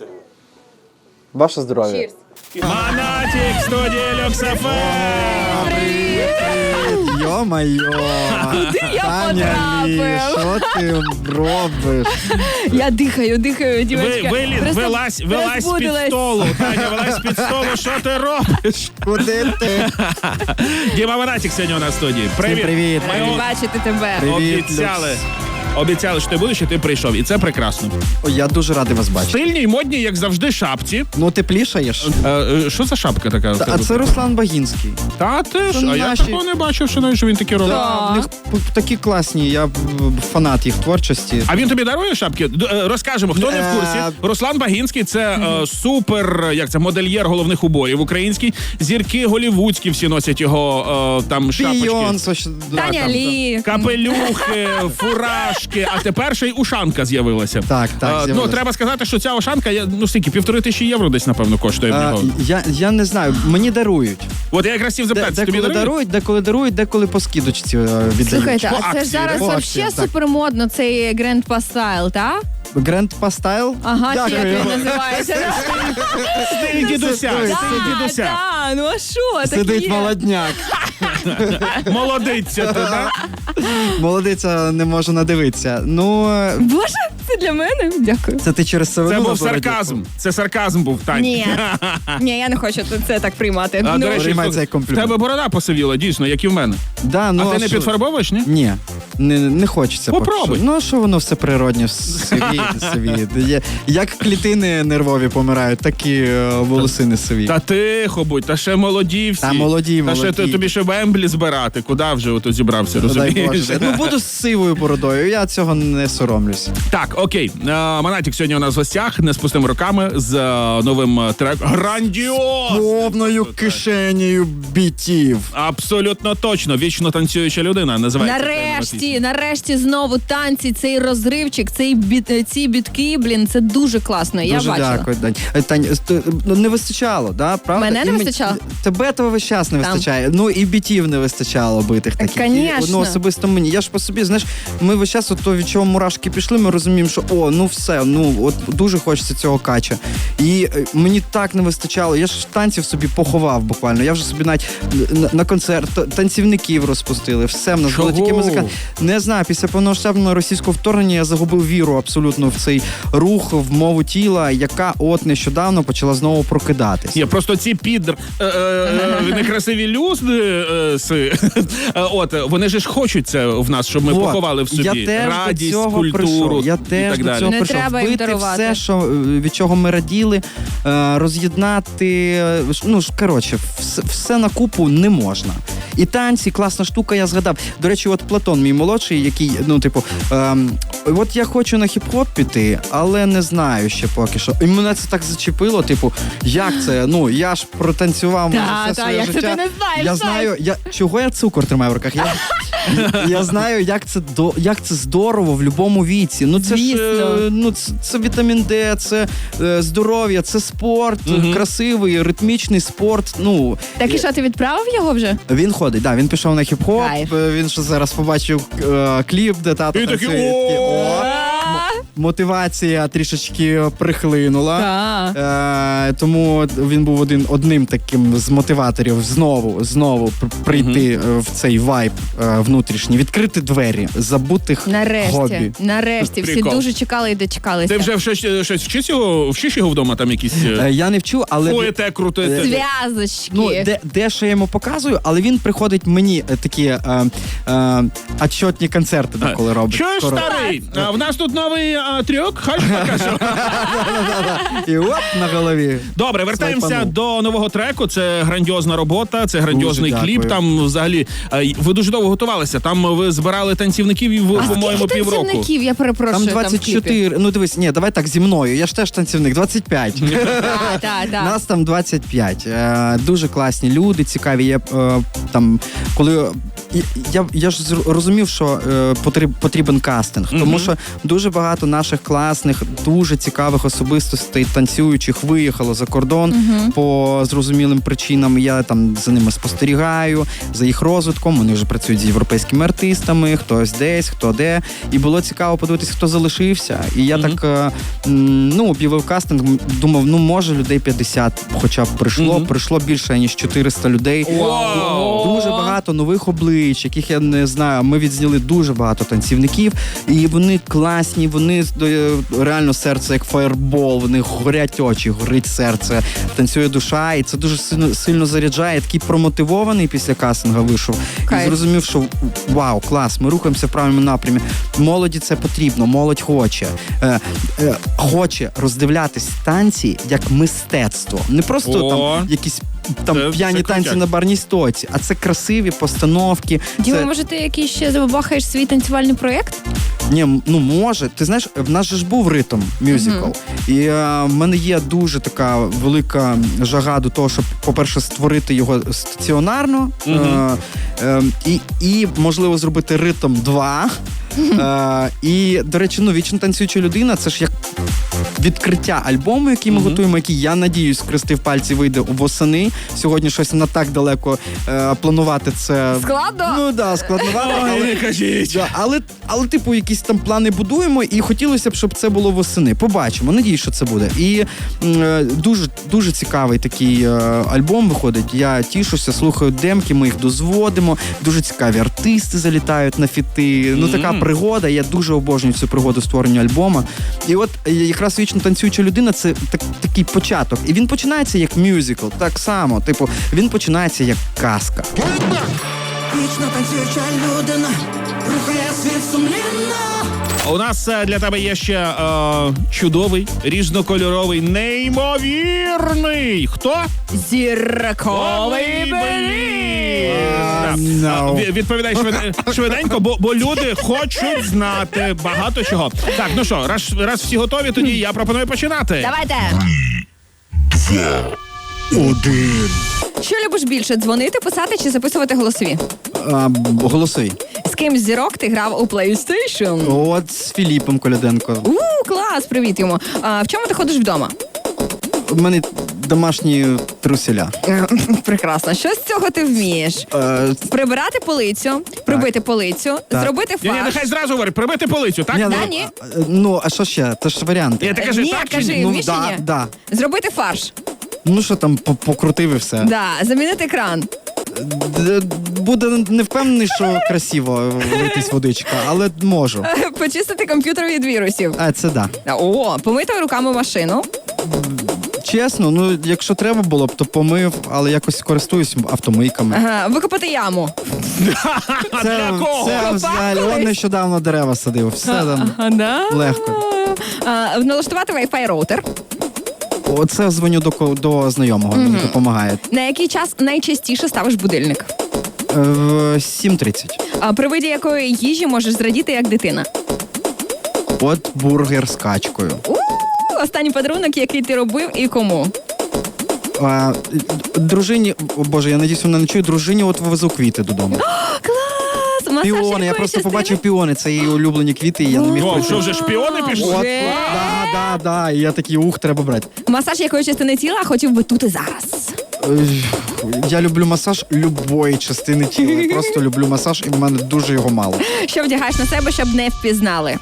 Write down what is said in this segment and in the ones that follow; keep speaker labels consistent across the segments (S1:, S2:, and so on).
S1: Чірси.
S2: Ваше здоров'я.
S1: Монатік, студія Люксофем!
S2: Йо-майо.
S3: Куди я
S2: Таня Лі,
S3: потрапив?
S2: що ти робиш?
S3: Я дихаю, дівчатка.
S1: Вилазь з-під столу. Таня, вилазь з-під столу, що ти робиш?
S2: Куди ти?
S1: Діма Монатік сьогодні у нас в студії. Привіт.
S2: Привіт.
S3: Раді бачити тебе.
S2: Привіт,
S1: Обіцяли, що ти будеш, і ти прийшов. І це прекрасно.
S2: Ой, я дуже радий вас бачити.
S1: Стильні й модні, як завжди, шапці.
S2: Ну, теплішаєш?
S1: Що за шапка така?
S2: А це Руслан Багінський.
S1: Та ти ж, а я
S2: наші.
S1: такого не бачив, що він такі робить.
S2: В них такі класні, я фанат їх творчості.
S1: А він тобі дарує шапки? Розкажемо, хто не в курсі. Руслан Багінський – це супер, модельєр головних уборів український. Зірки голівудські всі носять його там шапочки.
S2: Бійонсе.
S3: Таня Лі.
S1: Капелюхи, фуражки, а тепер ще й ушанка з'явилася.
S2: Так, з'явилася.
S1: Треба сказати, що ця ушанка, скільки, 1500 євро десь, напевно, коштує в нього.
S2: Я не знаю, мені дарують.
S1: От я якраз хотів запитати, тобі дарують?
S2: Деколи по скидочці віддають.
S3: Слухайте,
S1: По
S3: а це ж
S1: акції,
S3: зараз
S2: да? По
S3: вообще
S2: акції, так.
S3: супермодно, цей Grand Style, так?
S2: Grand Pastyle?
S3: Ага, чи як
S2: Дякую.
S3: він називається?
S1: Стиль дідуся, стиль дідуся.
S3: Так, ну а що? Так
S2: Сидить
S3: є.
S2: молодняк.
S1: Молодиця ти, да?
S2: Молодиця не може надивитися. Ну,
S3: Боже, це для мене? Дякую.
S2: це ти через
S1: Це
S2: сивину
S1: був
S2: на бороді?
S1: сарказм. Це сарказм був, Тань.
S3: Ні, я не хочу це так приймати.
S1: А,
S3: Ну,
S1: до речі,
S2: Приймай цей
S1: в
S2: комплімент.
S1: тебе борода посивіла, дійсно, як і в мене.
S2: Да, ну,
S1: А ти не
S2: що?
S1: підфарбовуєш, ні?
S2: Ні, не хочеться. поки
S1: Попробуй.
S2: що. Ну, що воно все природнє, сивіє. Як клітини нервові помирають, так і волосини сиві.
S1: Та тихо будь, та ще молоді всі.
S2: Та молоді.
S1: Та ще тобі ще Вемблі збирати. Куди вже ото зібрався,
S2: Дай
S1: розумієш?
S2: Боже. Ну, буду з сивою бородою, я цього не соромлюсь.
S1: Так, окей. Монатік сьогодні у нас в гостях, не з пустими руками, з новим треком. Грандіоз!
S2: Повною кишенею бітів.
S1: Абсолютно точно. Вічно танцююча людина називається.
S3: Нарешті знову танці, цей розривчик, ці бітки, це дуже класно. Я
S2: Дуже
S3: бачила.
S2: дякую, Дань. Тань, не вистачало, да? Правда?
S3: Мене не
S2: І
S3: вистачало?
S2: Тебе того весь час не вистачає. Ну і бітів не вистачало битих таких.
S3: Конечно.
S2: Ну, особисто мені. Я ж по собі, знаєш, ми весь час, от від чого мурашки пішли, ми розуміємо, що все, от дуже хочеться цього кача. І мені так не вистачало. Я ж танців собі поховав буквально. Я вже собі навіть на концерт танцівників розпустили. Все, в нас були тільки музика. Не знаю, після повномасштабного російського вторгнення я загубив віру абсолютно в цей рух, в мову тіла, яка от нещодавно почала знову прокидатись.
S1: Ні, просто ці некрасиві люди, вони ж хочуть це в нас, щоб ми поховали в собі.
S2: Я теж
S1: радість,
S2: до цього
S1: культуру
S2: прийшов. Я
S1: і
S2: теж
S1: так
S2: до
S1: далі.
S2: цього
S3: Не
S2: прийшов.
S3: треба їм
S2: Вбити
S3: дарувати.
S2: все, що, від чого ми раділи, роз'єднати, все на купу не можна. І танці, класна штука, я згадав. До речі, от Платон, мій молодший, який, от я хочу на хіп-хоп піти, але не знаю ще поки що. І мене це так зачепило, як це? Я ж протанцював майже все своє
S3: як
S2: життя.
S3: це ти не знаєш?
S2: Я знаю, чого я цукор тримаю в руках. Я знаю, як це здорово в будь-якому віці. Ну це
S3: Звісно.
S2: ж це вітамін Д, це здоров'я, це спорт, красивий, ритмічний спорт.
S3: Так і що, ти відправив його вже?
S2: Він ходить, він пішов на хіп-хоп.
S3: Кайф.
S2: Він ще зараз побачив кліп, де тато
S1: І такий,
S2: танцює. Мотивація трішечки прихлинула. Тому він був одним таким з мотиваторів знову прийти в цей вайб внутрішній, відкрити двері забутих хобі.
S3: Нарешті. Всі
S1: Прикол.
S3: дуже чекали і дочекалися.
S1: Ти вже щось вчиш його вдома, там якісь
S2: Я не вчу, але
S1: поете, крутите?
S3: Зв'язочки.
S2: де що я йому показую, але він приходить мені такі отчетні концерти, коли робить.
S1: Чуєш, старий? В нас тут новий трюк, хочеш покажу?
S2: І оп, на голові.
S1: Добре, вертаємося
S2: Свайпанув.
S1: до нового треку. Це грандіозна робота, це грандіозний
S2: Дуже
S1: кліп.
S2: дякую.
S1: Там взагалі ви дуже довго готувалися. Там ви збирали танцівників, по-моєму,
S3: Скільки
S1: півроку.
S3: танцівників, я перепрошую,
S2: Там
S3: в кліпі?
S2: 24, дивись, давай так, зі мною, я ж теж танцівник, 25.
S3: Так.
S2: Нас там 25. Дуже класні люди, цікаві. Я коли я ж розумів, що потрібен кастинг, тому що дуже багато наших класних, дуже цікавих особистостей, танцюючих, виїхало за кордон по зрозумілим причинам. Я там за ними спостерігаю, за їх розвитком. Вони вже працюють з європейськими артистами, хтось десь, хто де. І було цікаво подивитись, хто залишився. І я так, об'явив кастинг, думав, може людей 50 хоча б прийшло більше, ніж 400 людей. Дуже багато нових облич, яких я не знаю. Ми відзняли дуже багато танцівників, і вони класні, вони реально серце як фаєрбол, вони горять очі, горить серце, танцює душа, і це дуже сильно заряджає. Я такий промотивований після кастингу вийшов. І зрозумів, що вау, клас, ми рухаємося в правильному напрямі. Молоді це потрібно, молодь хоче роздивлятись танці як мистецтво. Не просто там якісь п'яні танці на барній стойці, а це красиві постановки.
S3: Діма, може ти якийсь ще забахаєш свій танцювальний проєкт?
S2: Ні, може. Ти знаєш, в нас же ж був ритм мюзикл. І в мене є дуже така велика жага до того, щоб, по-перше, створити його стаціонарно і, можливо, зробити ритм 2. І, до речі, вічно танцююча людина, це ж як відкриття альбому, який ми готуємо, який, я надіюсь, скрестив пальці, вийде восени. Сьогодні щось не так далеко планувати це.
S3: Складно?
S2: Складновато.
S1: Не кажіть.
S2: Але, типу, якісь там плани будуємо, і хотілося б, щоб це було восени. Побачимо, надіюсь, що це буде. І дуже, дуже цікавий такий альбом виходить. Я тішуся, слухаю демки, ми їх дозводимо. Дуже цікаві артисти залітають на фіти. Така пригода, я дуже обожнюю цю пригоду створення альбома. І от якраз вічно танцююча людина — це такий початок. І він починається як мюзикл, так само. Типу, він починається як казка.
S4: Вічно танцююча людина рухає світ сумлінно.
S1: У нас для тебе є ще чудовий, різнокольоровий, неймовірний. Хто?
S3: Зірковий Беліс!
S1: Відповідай швиденько, бо люди хочуть знати багато чого. Так, ну що, раз всі готові, тоді я пропоную починати.
S3: Давайте!
S2: 1.
S3: Що любиш більше, дзвонити, писати чи записувати голосові?
S2: Голосуй.
S3: З ким з зірок ти грав у PlayStation?
S2: От з Філіпом Коляденко.
S3: Клас, привіт йому. В чому ти ходиш вдома?
S2: У мене домашні труселя.
S3: Прекрасно. Що з цього ти вмієш? Прибирати полицю, прибити полицю, зробити
S1: Ні,
S3: фарш.
S1: нехай зразу говорить, прибити полицю, так?
S3: Ні.
S2: А що ще? Це ж варіанти.
S1: Ні, ти кажи,
S3: Ні,
S1: так чи
S3: кажи,
S1: ні?
S3: вмієш чи ні?
S2: Да.
S3: Зробити фарш.
S2: Ну що там, покрутив і все.
S3: Да. Замінити кран.
S2: Буде не впевнений, що красиво литись водичка, але можу.
S3: Почистити комп'ютер від вірусів.
S2: Це да.
S3: Помити руками машину.
S2: Чесно, якщо треба було б, то помив, але якось користуюсь автомийками.
S3: Викопати яму.
S1: Для кого?
S2: Це взагалі, он нещодавно дерева садив. Все там легко.
S3: Налаштувати Wi-Fi роутер.
S2: Оце дзвоню до знайомого, мені допомагає.
S3: На який час найчастіше ставиш будильник?
S2: 7:30.
S3: При виді якої їжі можеш зрадіти як дитина?
S2: От бургер з качкою.
S3: Останній подарунок, який ти робив і кому?
S2: Дружині, Боже, я надіюсь, вона не чує, дружині от вивезу квіти додому.
S3: Масаж
S2: Піони, я
S3: якої
S2: просто
S3: частини?
S2: побачив піони, це її улюблені квіти, і я не міг
S1: О,
S2: пройти.
S1: що вже шпіони пішли?
S2: От, да, і я такий, треба брати.
S3: Масаж якої частини тіла хотів би тут і зараз?
S2: Я люблю масаж любої частини тіла, я просто люблю масаж, і в мене дуже його мало.
S3: Що вдягаєш на себе, щоб не впізнали?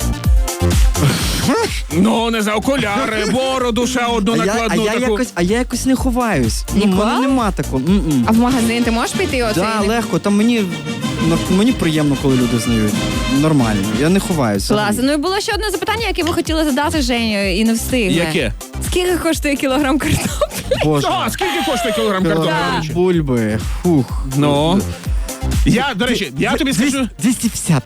S1: Ну, не за окуляри, бороду ще одну накладну таку.
S2: А я якось не ховаюсь.
S3: Ніколи?
S2: У мене нема такого.
S3: А в магазин ти можеш піти оцей?
S2: Да, легко. Там мені приємно, коли люди знають. Нормально. Я не ховаюся.
S3: Клас. Ну і було ще одне запитання, яке ви хотіли задати Женю і не встигли.
S1: Яке?
S3: Скільки коштує кілограм картоплі?
S2: Боже.
S1: Скільки коштує кілограм картоплі?
S3: Да.
S1: до речі?
S2: Бульби. Фух.
S1: Ну? До речі, я тобі скажу...
S2: 250.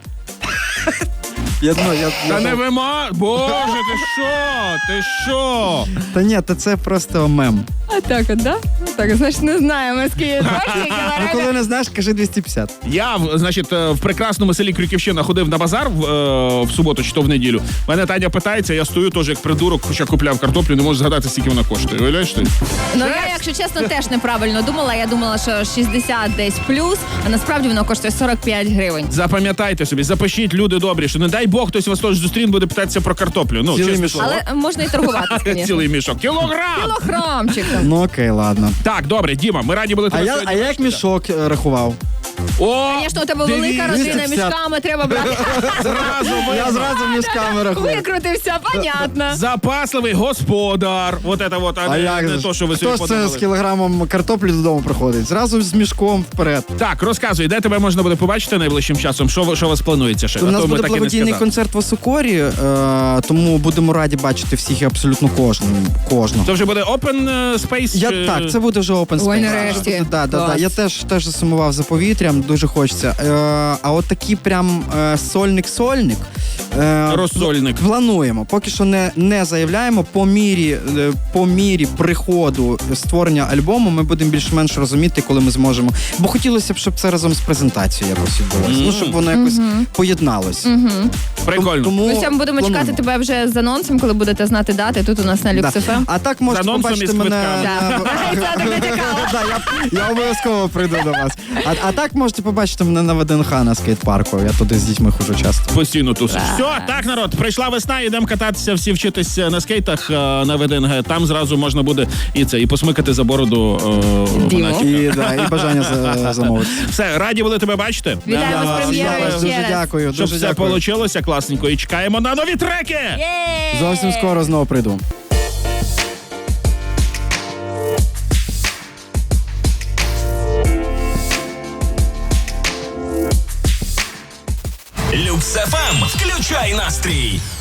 S1: Та не вима... Боже, ти що?
S2: Та ні, це просто мем.
S3: Так от, да? Так, значить, не знаю, морські точники,
S2: Ну, коли не знаєш, кажи 250.
S1: Я, значить, в прекрасному селі Крюківщина ходив на базар в суботу чи то в неділю. Мене Таня питається, я стою теж як придурок, хоча купляв картоплю, не можу згадати, скільки вона коштує. Уявляєш ти?
S3: Ну, я, якщо чесно, теж неправильно думала. Я думала, що 60 десь плюс, а насправді воно коштує 45 гривень.
S1: Запам'ятайте собі, запишіть, люди добрі, що не дай Бог, хтось вас теж зустріне, буде питатися про картоплю. Ну,
S2: Цілий
S1: чесне
S2: мішок.
S1: слово.
S3: Але можна і торгуватися, звісно.
S1: Цілий мішок. Кілограм!
S3: Кілограмчиком.
S2: Ну окей, ладно.
S1: Так, добре, Діма, ми раді були
S2: А
S1: тебе
S2: я,
S1: сьогодні
S2: а як
S1: бачити.
S2: мішок рахував?
S1: О,
S3: Звісно, у тебе велика
S1: дивіться,
S3: родина,
S2: 250.
S3: мішками треба брати.
S1: Зразу
S2: Я зразу мішками рахую.
S3: Викрутився, понятно.
S1: запасливий господар. Вот это вот, а,
S2: А
S1: не,
S2: як
S1: не
S2: же ж?
S1: то, що ви собі
S2: Хто ж це
S1: подумали.
S2: з кілограмом картоплі додому приходить? Зразу з мішком вперед.
S1: Так, розказуй, де тебе можна буде побачити найближчим часом? Що у вас планується ще?
S2: У
S1: А
S2: нас
S1: то ми
S2: буде
S1: так і не
S2: благодійний
S1: сказали.
S2: концерт в Осокорі, тому будемо раді бачити всіх і абсолютно кожного.
S1: Це вже буде open space?
S2: Так, це буде вже open space.
S3: Ой, нарешті.
S2: Да.
S3: Клас.
S2: Я теж засумував за повітрям, дуже хочеться. А от такий прям сольник.
S1: Розсольник.
S2: Плануємо. Поки що не заявляємо. По мірі приходу створення альбому ми будемо більш-менш розуміти, коли ми зможемо. Бо хотілося б, щоб це разом з презентацією якось відбулося. Ну, щоб воно якось поєдналось.
S1: Прикольно.
S2: Тому
S3: Ми сьогодні будемо
S2: плануємо.
S3: чекати тебе вже з анонсом, коли будете знати дати тут у нас на
S2: Да.
S3: Люкс.ФМ.
S2: А так можете
S1: З анонсом
S2: побачити
S1: і з
S2: мене.
S1: квитками.
S3: Це так натякало.
S2: Да, я обов'язково прийду до вас. А так можете побачити мене на ВДНХ на скейт-парку. Я туди з дітьми ходжу часто.
S1: Постійно тусиш. Все, так, народ, прийшла весна, йдемо кататися, всі вчитись на скейтах на ВДНГ. Там зразу можна буде і посмикати за бороду.
S3: Діму.
S1: Гонатіка.
S2: І бажання замовити.
S1: Все, раді були тебе бачити.
S3: Вітаємо з прем'єрою
S2: Дуже
S3: ще раз.
S2: дякую.
S1: Щоб
S2: Дуже
S1: все
S2: дякую.
S1: вийшло класненько. І чекаємо на нові треки.
S3: Є!
S2: Зовсім скоро знову прийду.
S5: Люкс ФМ. Включай настрій.